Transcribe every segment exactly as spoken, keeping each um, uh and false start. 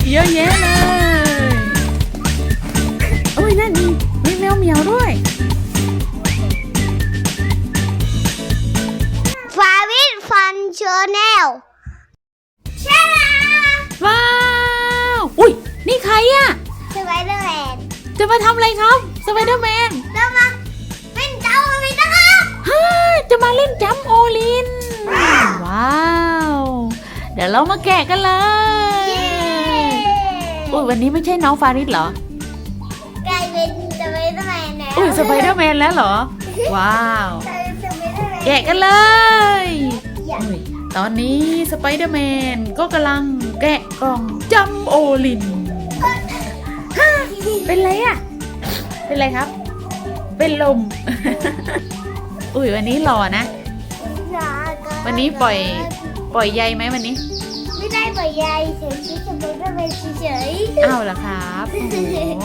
เยอะแยะเลยโอ้ยนั่นมีมีแมวเหมียวด้วยฟาวิทฟันเชอร์แนลใช่ว้าวอุ้ยนี่ใครอะสไปเดอร์แมนจะมาทำอะไรครับสไปเดอร์แมนจะมาเป็นเจ้าอะไรนะครับฮ่าจะมาเล่นจัมโอลินว้าวเดี๋ยวเรามาแกะกันเลยอุ้ยวันนี้ไม่ใช่น้องฟาริสเหรอกลายเป็นสไปเดอร์แมนแล้วอุ้ยสไปเดอร์แมนแล้วเหรอว้าวแกะกันเลยตอนนี้สไปเดอร์แมนก็กำลังแกะกล่องจัมโอลินเป็นไรอะเป็นไรครับเป็นลมอุ้ยวันนี้หล่อนะวันนี้ปล่อยปล่อยใยไหมวันนี้ไม่ได้ปล่อยใยเฉยๆสไปเดอร์แมนเฉยๆอ้าวเหรอครับโอ้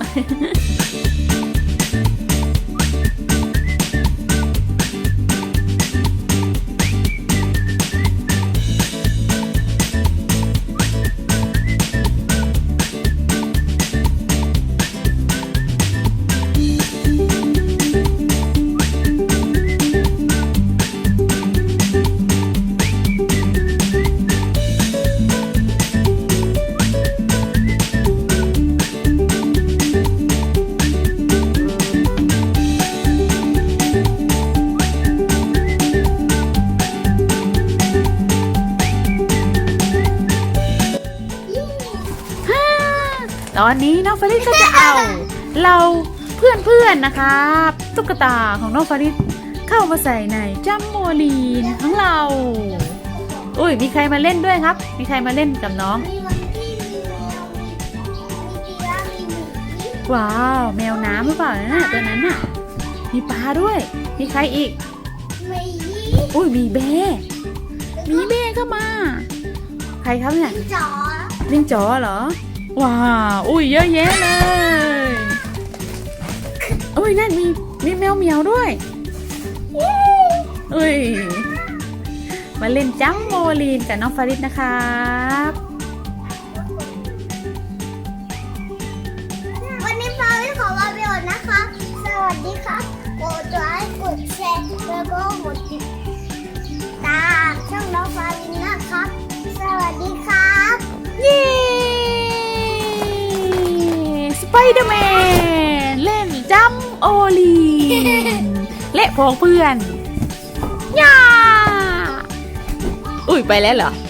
ตอนนี้น้องฟาริสก็จะเอาเราเพื่อนๆนะครับตุ๊กตาของน้องฟาริสเข้ามาใส่ในจัมโมลีนของเราอุ้ยมีใครมาเล่นด้วยครับมีใครมาเล่นกับน้องว้าวแมวน้ำหรือเปล่านะตัวนั้นน่ะมีปลาด้วยมีใครอีกอุ้ยมีเบ้มีเบ้เข้ามาใครครับเนี่ยลิงจ๋อลิงจ๋อเหรอว้าวอุ้ยเยอะแยะเลยอุ้ยนั่นมีมีแมวเหมียวด้วยอุ้ยมาเล่นจัมโมลีนกับน้องฟาริสนะครับวันนี้ฟาริสขอลาไปก่อนนะคะสวัสดีครับกดไลค์กดแชร์แล้วก็กดติดตามช่องน้องฟาริสนะครับสวัสดีครับเย้สไปเดอร์แมนเล่นจัมโอลีนและพวกเพื่อนย่าอุ้ยไปแล้วเหรอ